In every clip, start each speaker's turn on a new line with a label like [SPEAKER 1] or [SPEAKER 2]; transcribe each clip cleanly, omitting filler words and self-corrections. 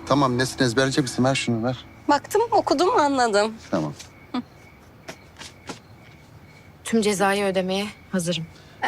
[SPEAKER 1] Tamam, nesini ezberleyecek misin? Ver şunu, ver.
[SPEAKER 2] Baktım, okudum, anladım.
[SPEAKER 1] Tamam.
[SPEAKER 3] Tüm cezayı ödemeye hazırım.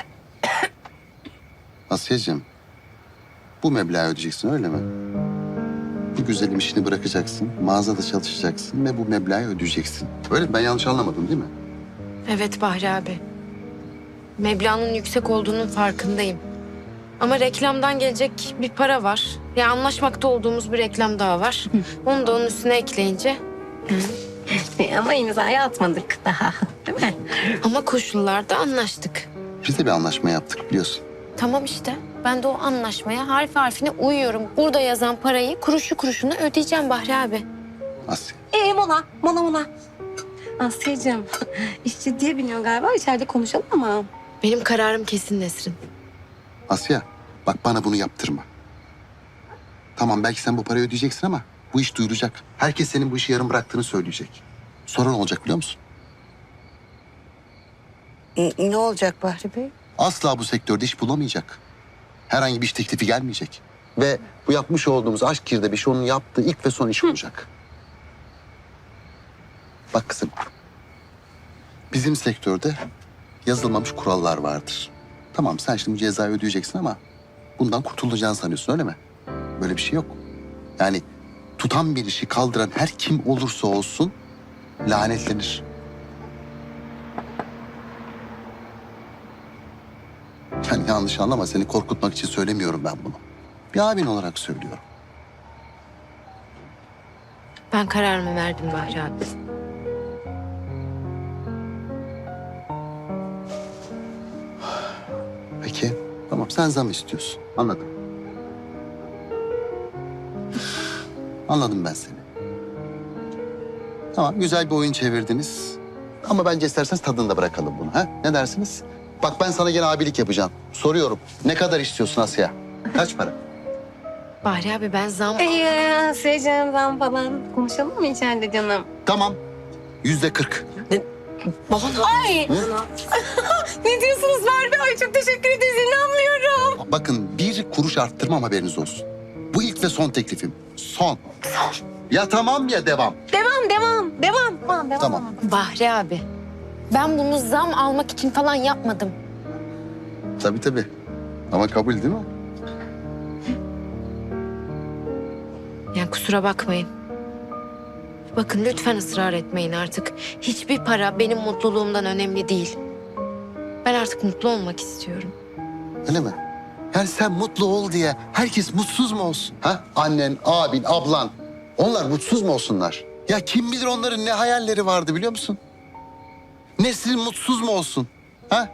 [SPEAKER 1] Asiye'cim, bu meblağı ödeyeceksin, öyle mi? Bu güzelim işini bırakacaksın, mağazada çalışacaksın ve bu meblağı ödeyeceksin. Öyle mi? Ben yanlış anlamadım değil mi?
[SPEAKER 3] Evet Bahri abi. Meblağın yüksek olduğunun farkındayım. Ama reklamdan gelecek bir para var. Ya anlaşmakta olduğumuz bir reklam daha var. Onu da onun üstüne ekleyince.
[SPEAKER 2] Ama imzayı atmadık daha, değil mi?
[SPEAKER 3] Ama koşullarda anlaştık.
[SPEAKER 1] Biz de bir anlaşma yaptık biliyorsun.
[SPEAKER 3] Tamam işte. Ben de o anlaşmaya harf harfine uyuyorum. Burada yazan parayı kuruşu kuruşuna ödeyeceğim Bahri abi.
[SPEAKER 1] Asya.
[SPEAKER 2] Mola. Asya'cığım, iş ciddiye biniyor galiba. İçeride konuşalım ama.
[SPEAKER 3] Benim kararım kesin Nesrin.
[SPEAKER 1] Asya, bak bana bunu yaptırma. Tamam, belki sen bu parayı ödeyeceksin ama bu iş duyulacak. Herkes senin bu işi yarım bıraktığını söyleyecek. Sonra ne olacak biliyor musun?
[SPEAKER 4] Ne olacak Bahri Bey?
[SPEAKER 1] Asla bu sektörde iş bulamayacak. Herhangi bir iş teklifi gelmeyecek. Ve bu yapmış olduğumuz aşk girdabı onun yaptığı ilk ve son iş olacak. Bak kızım, bizim sektörde yazılmamış kurallar vardır. Tamam, sen şimdi bu cezayı ödeyeceksin ama bundan kurtulacağını sanıyorsun, öyle mi? Böyle bir şey yok. Yani tutan bir işi kaldıran her kim olursa olsun lanetlenir. Yani yanlış anlama, seni korkutmak için söylemiyorum ben bunu. Bir abin olarak söylüyorum.
[SPEAKER 3] Ben kararımı verdim Bahri abi.
[SPEAKER 1] Peki, tamam, sen zam istiyorsun. Anladım. Anladım ben seni. Tamam, güzel bir oyun çevirdiniz. Ama bence isterseniz tadını da bırakalım bunu. Ha? Ne dersiniz? Bak, ben sana gene abilik yapacağım. Soruyorum. Ne kadar istiyorsun Asya? Kaç para?
[SPEAKER 3] Bahri abi ben zam...
[SPEAKER 2] Asya'cığım, ben falan konuşalım mı içeride canım?
[SPEAKER 1] Tamam. %40.
[SPEAKER 2] Ay! Ne diyorsunuz Bahri Bey? Ay çok teşekkür ederiz, inanmıyorum.
[SPEAKER 1] Bakın, bir kuruş arttırmam, haberiniz olsun. Bu ilk ve son teklifim. Son. Ya tamam ya devam.
[SPEAKER 2] Devam.
[SPEAKER 1] Tamam.
[SPEAKER 3] Bahri abi. Ben bunu zam almak için falan yapmadım.
[SPEAKER 1] Tabii. Ama kabul değil mi?
[SPEAKER 3] Yani kusura bakmayın. Bakın lütfen ısrar etmeyin artık. Hiçbir para benim mutluluğumdan önemli değil. Ben artık mutlu olmak istiyorum.
[SPEAKER 1] Öyle mi? Yani sen mutlu ol diye herkes mutsuz mu olsun? Ha? Annen, abin, ablan. Onlar mutsuz mu olsunlar? Ya kim bilir onların ne hayalleri vardı biliyor musun? Nesrin mutsuz mu olsun? Ha?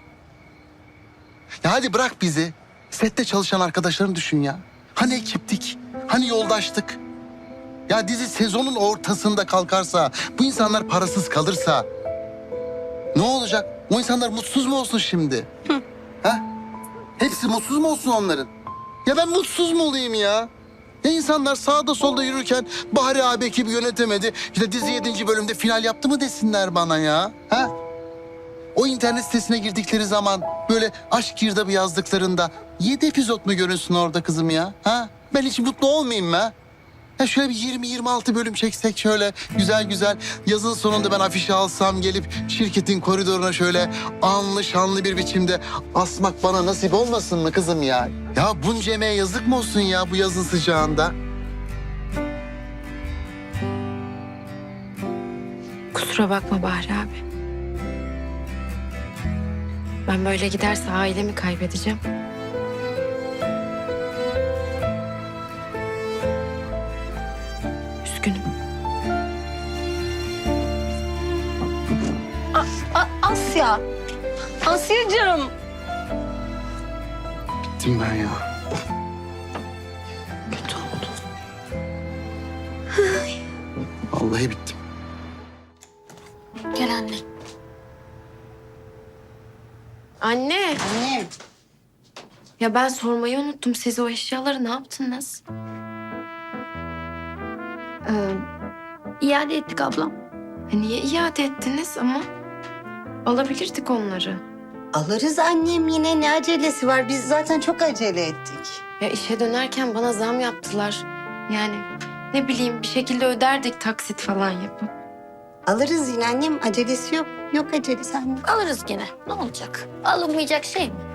[SPEAKER 1] Ya hadi bırak bizi. Sette çalışan arkadaşlarını düşün ya. Hani ekiptik? Hani yoldaştık? Ya dizi sezonun ortasında kalkarsa, bu insanlar parasız kalırsa ne olacak? O insanlar mutsuz mu olsun şimdi? Ha? Hepsi mutsuz mu olsun onların? Ya ben mutsuz mu olayım ya? Ya insanlar sağda solda yürürken Bahri abi ekibi yönetemedi. İşte dizi 7. bölümde final yaptı mı desinler bana ya? Ha? O internet sitesine girdikleri zaman böyle aşk girdabı yazdıklarında 7 epizod mu görünsün orada kızım ya? Ha? Ben hiç mutlu olmayayım mı? Ha? Ya şöyle bir 20-26 bölüm çeksek şöyle güzel. Yazın sonunda ben afişi alsam gelip şirketin koridoruna şöyle anlı şanlı bir biçimde asmak bana nasip olmasın mı kızım ya? Ya bunca emeğe yazık mı olsun ya bu yazın sıcağında?
[SPEAKER 3] Kusura bakma Bahri abi. Ben böyle giderse ailemi kaybedeceğim. Üzgünüm.
[SPEAKER 2] Asya'cığım.
[SPEAKER 1] Bittim ben ya.
[SPEAKER 3] Kötü oldu.
[SPEAKER 1] Vallahi bittim.
[SPEAKER 3] Gel anne. Anne.
[SPEAKER 4] Annem.
[SPEAKER 3] Ya ben sormayı unuttum. Siz o eşyaları ne yaptınız?
[SPEAKER 2] İade ettik ablam.
[SPEAKER 3] Niye iade ettiniz ama? Alabilirdik onları.
[SPEAKER 4] Alırız annem, yine ne acelesi var? Biz zaten çok acele ettik.
[SPEAKER 3] Ya işe dönerken bana zam yaptılar. Yani ne bileyim bir şekilde öderdik taksit falan yapıp.
[SPEAKER 4] Alırız yine annem. Acelesi yok. Yok acelesi annem.
[SPEAKER 5] Alırız gene. Ne olacak? Alınmayacak şey mi?